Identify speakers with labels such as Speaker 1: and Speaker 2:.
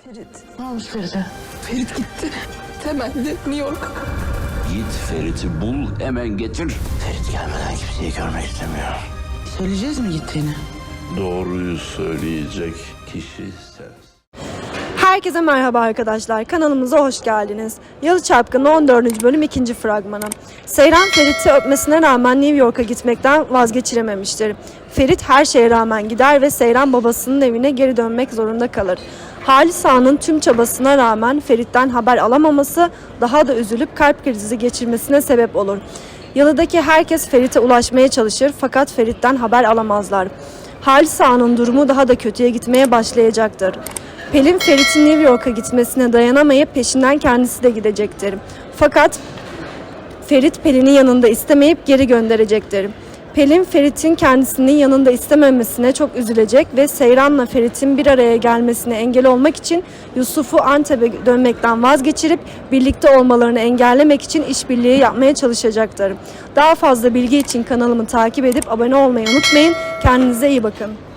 Speaker 1: Ferit.
Speaker 2: Ne olmuş Feride?
Speaker 1: Ferit gitti. Temelli New York.
Speaker 3: Git Ferit'i bul, hemen getir.
Speaker 2: Ferit gelmeden kimseyi görmek istemiyor. Söyleyeceğiz mi gittiğini?
Speaker 4: Doğruyu söyleyecek kişi sensin.
Speaker 5: Herkese merhaba arkadaşlar. Kanalımıza hoş geldiniz. Yalı Çapkını 14. bölüm 2. fragmanı. Seyran Ferit'i öpmesine rağmen New York'a gitmekten vazgeçirememiştir. Ferit her şeye rağmen gider ve Seyran babasının evine geri dönmek zorunda kalır. Halis Ağa'nın tüm çabasına rağmen Ferit'ten haber alamaması daha da üzülüp kalp krizi geçirmesine sebep olur. Yalı'daki herkes Ferit'e ulaşmaya çalışır fakat Ferit'ten haber alamazlar. Halis Ağa'nın durumu daha da kötüye gitmeye başlayacaktır. Pelin Ferit'in New York'a gitmesine dayanamayıp peşinden kendisi de gidecektir. Fakat Ferit Pelin'i yanında istemeyip geri gönderecektir. Pelin Ferit'in kendisinin yanında istememesine çok üzülecek ve Seyran'la Ferit'in bir araya gelmesine engel olmak için Yusuf'u Antep'e dönmekten vazgeçirip birlikte olmalarını engellemek için işbirliği yapmaya çalışacaktır. Daha fazla bilgi için kanalımı takip edip abone olmayı unutmayın. Kendinize iyi bakın.